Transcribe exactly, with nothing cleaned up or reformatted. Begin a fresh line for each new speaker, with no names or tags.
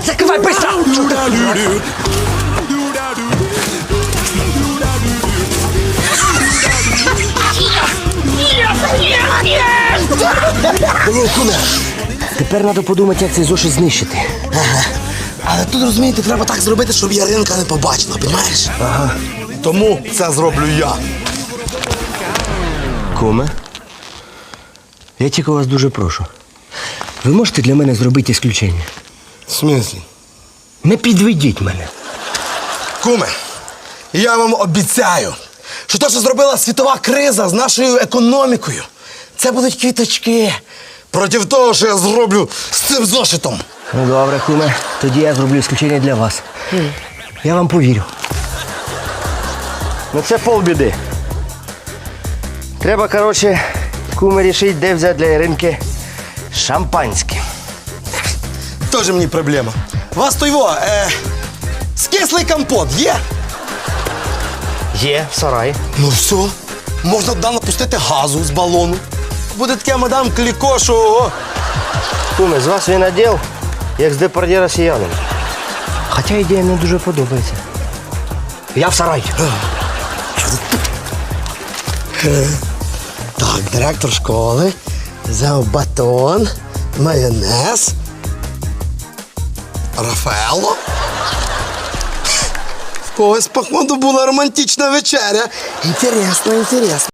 Закривай, быстро!
Блін, куме.
Тепер треба подумати, як цей зошит знищити.
Ага. Але тут, розумієте, треба так зробити, щоб Яринка не побачила, розумієш? Ага. Тому це зроблю я.
Куме, я тільки вас дуже прошу. Ви можете для мене зробити ісключення?
В смислі?
Не підведіть мене.
Куме, я вам обіцяю, що те, що зробила світова криза з нашою економікою, це будуть квіточки проти того, що я зроблю з цим зошитом.
Ну, добре, куме, тоді я зроблю ісключення для вас. Я вам повірю. Ну це полбіди. Треба, коротше, куме, рішити, де взяти для Іринки шампанське.
Тоже мені проблема. У вас то його, е, скислий компот є?
Є, в сараї.
Ну все, можна туди напустити газу з балону. Буде таке мадам Кліко, що... ого.
Куме, з вас він наділ, як з депардє росіянин. Хоча ідея мені дуже подобається. Я в сарай.
Так, директор школи взяв батон, майонез, Рафаело. В когось, походу, була романтична вечеря. Інтересно, інтересно.